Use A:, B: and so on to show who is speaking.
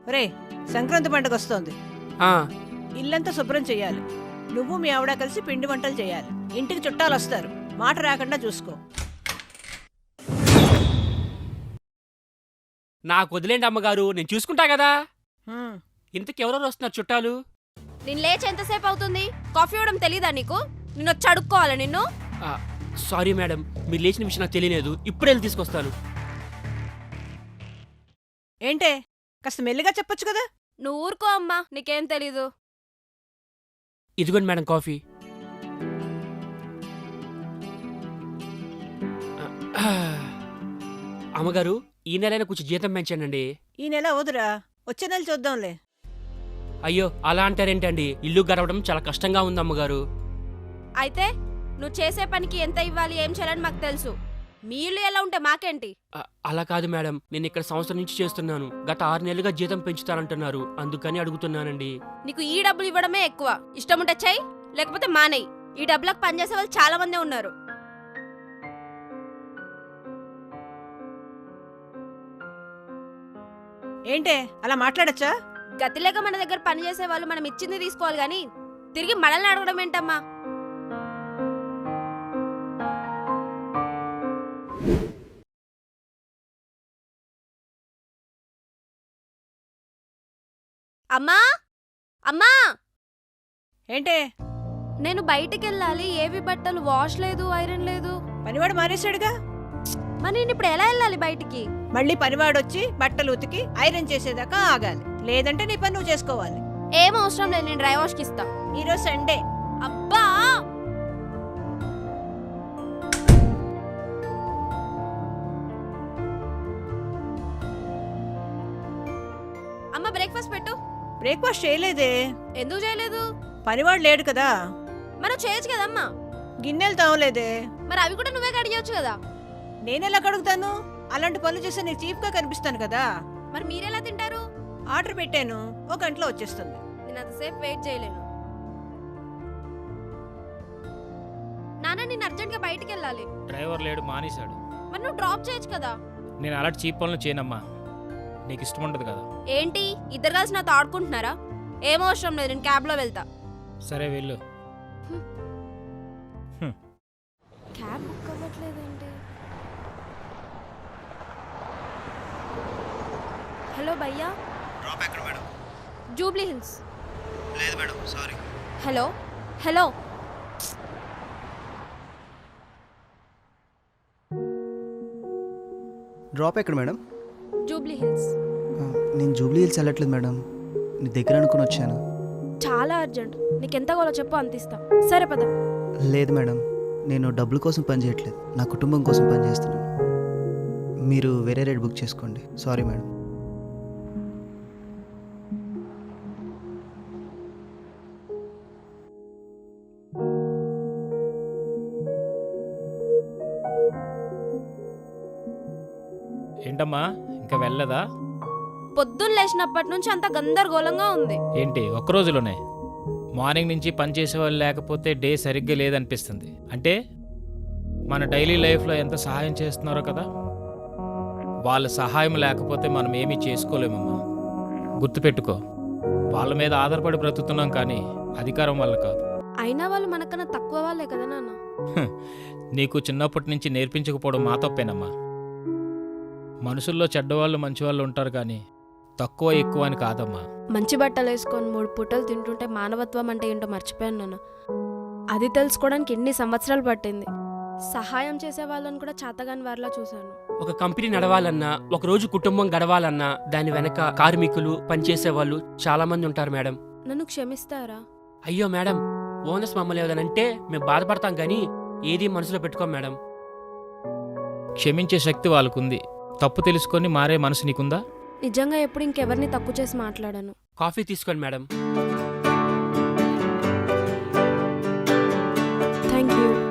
A: ఒరే, సంక్రాంతి పండుగ వస్తోంది.
B: ఆ,
A: ఇల్లంతా శుభ్రం చేయాలి. నువ్వు మీ ఆవిడ కలిసి పిండి వంటలు చేయాలి. ఇంటికి చుట్టాలు వస్తారు. మాట రాకుండా చూసుకో.
B: నాకు వదిలేండి అమ్మగారు, నేను చూసుకుంటా కదా.
A: హ్మ్.
B: ఇంతకెవరెవరు వస్తున్నారు చుట్టాలు?
C: నేను లేచి ఎంతసేపు అవుతుంది? కాఫీ ఇవ్వడం తెలీదా నీకు? నిన్ను వచ్చి అడుక్కోవాలా నిన్ను?
B: ఆ, సారీ మేడం, మీరు లేచిన విషయం నాకు తెలియలేదు. ఇప్పుడే వెళ్ళి తీసుకొస్తాను.
A: ఏంటే, కాస్త మెల్లిగా చెప్పొచ్చు కదా.
C: నువ్వు ఊరుకో అమ్మా, నీకేం తెలీదు.
B: ఇదిగోండి మేడం కాఫీ. ఆ, అమ్మగారు, ఈ నెలైనా కొంచెం జీతం పెంచానండి.
A: ఈ నెల వదురా, వచ్చే నెల చూద్దాంలే.
B: అయ్యో, అలా అంటారేంటండి? ఇల్లు గడవడం చాలా కష్టంగా ఉంది అమ్మగారు.
C: అయితే నువ్వు చేసే పనికి ఎంత ఇవ్వాలి, ఏం చేయాలని మాకు తెలుసు. మీ ఇల్లు ఎలా ఉంటే మాకేంటి?
B: అలా కాదు మేడం, నేను ఇక్కడ సంవత్సరం నుంచి చేస్తున్నాను. గత 6 నెలలుగా జీతం పెంచుతానంటున్నారు, అందుకని అడుగుతున్నానండి.
C: నీకు ఈ డబ్బులు ఇవ్వడమే ఎక్కువ. ఇష్టం ఉంటే చెయ్యి, లేకపోతే మానేయి. ఈ డబ్బులకు పనిచేసే వాళ్ళు చాలా మందే ఉన్నారు.
A: ఏంటే, అలా మాట్లాడచ్చా?
C: గతి లేక మన దగ్గర పని చేసే వాళ్ళు మనం ఇచ్చింది తీసుకోవాలి గాని తిరిగి మనల్ని అడగడం ఏంటమ్మా? అమ్మా అమ్మా,
A: ఏంటే,
C: నేను బయటికి వెళ్ళాలి. ఏవి బట్టలు వాష్ లేదు, ఐరన్ లేదు.
A: పనివాడు మానేశాడుగా.
C: మరి నేను ఇప్పుడు ఎలా వెళ్ళాలి బయటికి?
A: మళ్ళీ పనివాడొచ్చి బట్టలు ఉతికి ఐరన్ చేసేదాకా ఆగాలి. లేదంటే నీ పని నువ్వు చేసుకోవాలి.
C: ఏం అవసరం లేదు, నేను డ్రై వాష్ కి ఇస్తా.
A: ఈరోజు సండే.
C: అబ్బా, అమ్మ బ్రేక్ఫాస్ట్ పెట్టు.
A: బ్రేక్ఫాస్ట్ చేయలేదే.
C: ఎందుకు చేయలేదు?
A: పనివాడు లేడు కదా.
C: మనం చేయొచ్చు కదమ్మా.
A: గిన్నెలు తావలేదే.
C: మరి అవి కూడా నువ్వే కడిగొచ్చు కదా.
A: నేనెలా కడుగుతాను? అలాంటి పనులు చేస్తే నీకు చీప్ గా కనిపిస్తాను కదా.
C: మరి మీరెలా తింటారు?
A: ఆర్డర్ పెట్టాను, 1 గంటలో వచ్చేస్తుంది.
C: నేను అంతసేపు వెయిట్ చేయలేను. నాన్న, నేను అర్జెంట్ గా బయటికి వెళ్ళాలి.
D: డ్రైవర్ లేడు, మానేశాడు.
C: మరి నువ్వు డ్రాప్ చేయొచ్చు కదా.
D: నేను అలాంటి చీప్ పనులు చేయనమ్మా, నీకు ఇష్టం ఉండదు కదా.
C: ఏంటి, ఇద్దరు కలిసి నాతో ఆడుకుంటున్నారా? ఏం అవసరం లేదు, నేను క్యాబ్ లో వెళ్తా.
D: సరే వెళ్ళు.
C: క్యాబ్ బుక్ అవ్వట్లేదేంటి? హలో భయ్యా.
E: డ్రాప్ ఎక్కడ మేడం?
C: జూబ్లీ హిల్స్.
E: లేదు madam, sorry.
C: Hello hello,
E: drop ఎక్కడ మేడం?
C: జూబ్లీ హిల్స్.
E: నేను జూబ్లీ హిల్స్ వెళ్ళట్లేదు మేడం, నీ దగ్గర అనుకుని వచ్చాను.
C: చాలా అర్జెంట్, నీకు ఎంత కావాలో చెప్పు, అంత ఇస్తా. సరే పద.
E: లేదు మేడం, నేను డబ్బుల కోసం పని చేయట్లేదు, నా కుటుంబం కోసం పని చేస్తున్నాను. మీరు వేరే రేట్ బుక్ చేసుకోండి. Sorry madam.
D: ఏంటమ్మా, ఇంకా వెళ్ళదా?
C: పొద్దున్న లేచినప్పటి నుంచి అంత గందరగోళంగా ఉంది.
D: ఏంటి ఒక్క రోజులోనే? మార్నింగ్ నుంచి పని చేసేవాళ్ళు లేకపోతే డే సరిగ్గా లేదనిపిస్తుంది. అంటే మన డైలీ లైఫ్లో ఎంత సహాయం చేస్తున్నారో కదా. వాళ్ళ సహాయం లేకపోతే మనం ఏమీ చేసుకోలేమమ్మా. గుర్తుపెట్టుకో, వాళ్ళ మీద ఆధారపడి బ్రతుకుతున్నాం, కానీ అధికారం వల్ల కాదు.
C: అయినా వాళ్ళు మనకన్నా తక్కువ వాళ్ళే కదా నాన్న.
D: నీకు చిన్నప్పటి నుంచి నేర్పించకపోవడం మా తప్పేనమ్మా. మనుషుల్లో చెడ్డవాళ్ళు మంచివాళ్ళు ఉంటారు, కానీ తక్కువ ఎక్కువ అని కాదమ్మా.
C: మంచి బట్టలు వేసుకొని 3 పూటలు తింటుంటే మానవత్వం అంటే ఏంటో మర్చిపోయాను నాన్న. అది తెలుసుకోవడానికి ఎన్ని సంవత్సరాలు పట్టింది. సహాయం చేసే వాళ్ళని కూడా చాతగాని వారిలా చూశాను.
B: ఒక కంపెనీ నడవాలన్నా, ఒక రోజు కుటుంబం గడవాలన్నా దాని వెనక కార్మికులు, పనిచేసే వాళ్ళు చాలా మంది ఉంటారు మేడం.
C: నన్ను క్షమిస్తారా?
B: అయ్యో మేడం, ఓనర్స్ మమ్మల్ని ఏదనంటే మేము బాధపడతాం, కానీ ఏది మనసులో పెట్టుకోం మేడం.
D: క్షమించే శక్తి వాళ్ళకుంది. తప్పు తెలుసుకొని మారే మనసు నీకుందా?
C: నిజంగా ఎప్పుడు ఇంకెవరిని తక్కువ చేసి మాట్లాడాను.
B: కాఫీ తీసుకోండి మేడం.